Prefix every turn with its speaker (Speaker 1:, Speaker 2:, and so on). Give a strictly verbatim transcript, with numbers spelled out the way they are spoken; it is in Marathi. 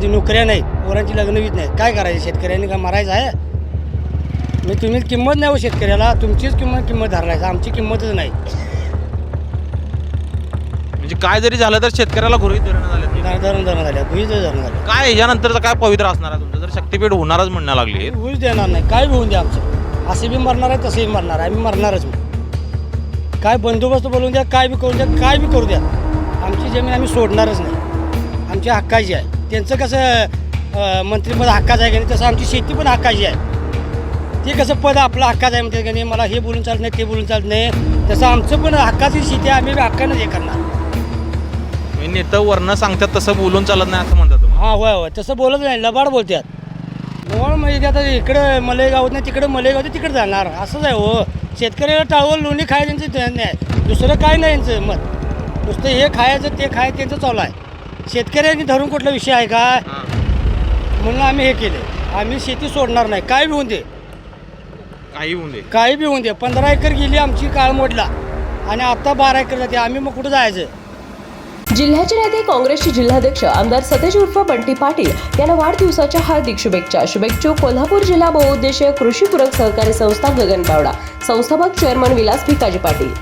Speaker 1: आधी नोकऱ्या नाहीत, पोरांची लग्न वीत नाहीत, काय करायचं? शेतकऱ्यांनी का मारायचं आहे? मी तुम्ही किंमत नाही हो शेतकऱ्याला, तुमचीच किंमत किंमत धरलायचं, आमची किंमतच नाही.
Speaker 2: म्हणजे काय जरी झालं तर शेतकऱ्याला गृहीत धरणं झालं.
Speaker 1: धरण धरण झाल्या, भुईच धरण झाल्या.
Speaker 2: काय याच्यानंतरचं काय पवित्र असणार आहे तुमचं? जर शक्तीपीठ होणारच म्हणण्या लागली,
Speaker 1: भुईच देणार नाही, काय बी होऊन द्या आमचं. असे बी मरणार आहे, तसेही मरणार आहे, आम्ही मरणारच. मी काय बंदोबस्त बोलवून द्या, काय बी करून द्या, काय बी करू द्या, आमची जमीन आम्ही सोडणारच नाही. आमच्या हक्काची आहे. त्यांचं कसं मंत्रिपद हक्काचं आहे का नाही, तसं आमची शेती पण हक्काची आहे. ते कसं पद आपलं हक्काचं आहे म्हणते का नाही, मला हे बोलून चालत नाही, ते बोलून चालत नाही, तसं आमचं पण हक्काची शेती आहे, आम्ही हक्कानंच हे करणार.
Speaker 2: नेतं वर्ण सांगतात तसं बोलून चालत नाही असं म्हणतात तुम्ही?
Speaker 1: हां होय होय, तसं बोलत नाही, लबाड बोलतात. लबाड म्हणजे आता इकडं मलेगावात नाही, तिकडं मलेगाव तिकडे जाणार, असंच आहे हो. शेतकऱ्याला टाळवं लोणी खायचं त्यांचं ध्यान नाही, दुसरं काय नाही यांचं मत. नुसतं हे खायचं ते खायचं त्यांचं चालू आहे. शेतकऱ्यांनी धरून कुठला विषय आहे का? म्हणून आम्ही हे केलं, आम्ही शेती सोडणार नाही, काय बी होऊन दे,
Speaker 2: काही होऊन दे,
Speaker 1: काही बी होऊन दे. पंधरा एकर गेली आमची काळ मोडला आणि आता बारा एकर जाते, आम्ही मग कुठं जायचं?
Speaker 3: जिल्ह्याचे नेते काँग्रेसचे जिल्हाध्यक्ष आमदार सतेज उर्फ बंटी पाटील यांना वाढदिवसाच्या हार्दिक शुभेच्छा. शुभेच्छुक कोल्हापूर जिल्हा बहुउद्देशीय कृषी पूरक सहकारी संस्था गगन पावडा, संस्थापक चेअरमन विलास भिकाजी पाटील.